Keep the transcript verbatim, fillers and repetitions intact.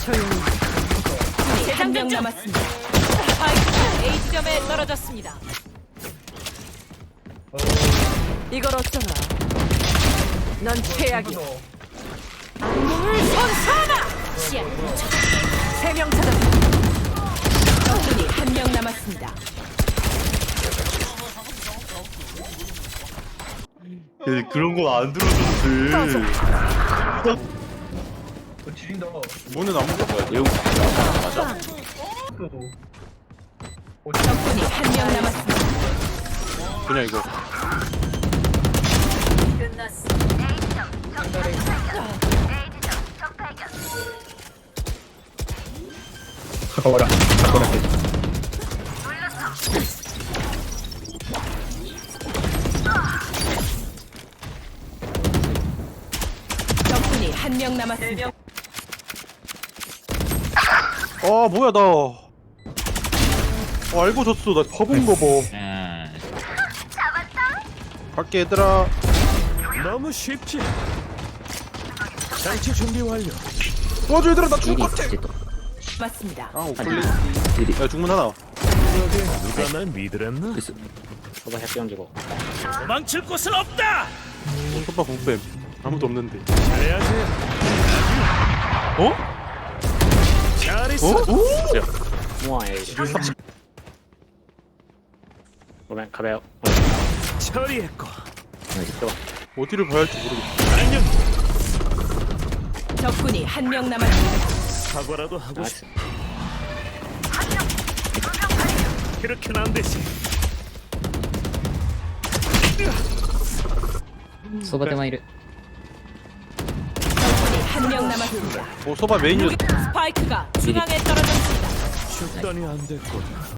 조용히. 한 명 남았습니다. 스파이크가 A 지점에 떨어졌습니다. 이걸 어쩌나? 넌 최악이야. 몸을 선사하라! 세명 찾았습니다. 적군이 한 명 남았습니다. 얘 그런 거 안 들어줬지. 어, 지린다. 문은 안 먹어야 돼. 맞아. 또. 어, 적군이 한 명 남았습니다. 그냥 이거. 끝났어. 가까워라. 가까워라. 적군이 한 명 남았습니다. 아 뭐야 나. 아, 알고 졌어. 나 바본가 봐. 음. 갈게 얘들아. 너무 쉽지. 장치 준비 완료. 도와줘 얘들아 나 죽을 일이 것 같아. 있지 또. 맞습니다. 아 오플리. 일이. 야 중문 하나. 여기 누가 날 믿으랬나? 됐어. 저거 해피 얹고. 도망칠 곳은 없다. 오빠 공뱀. 아무도 없는데. 잘해야지. 어? 잘했어. 어? 오? 우와 에이. 그러면 가봐요. 처리했고. 이제 또. 어디를 봐야 할지 모르겠어. 안녕. 적군이 한 명 남았습니다. 사과라도 하고 싶. 나이스. 그렇게는 안 되지. 소바테만 이르. 적군이 한 명 남았습니다. 어 소바 메인이었어. 스파이크가 중앙에 떨어졌습니다. 죽더니 안 됐군.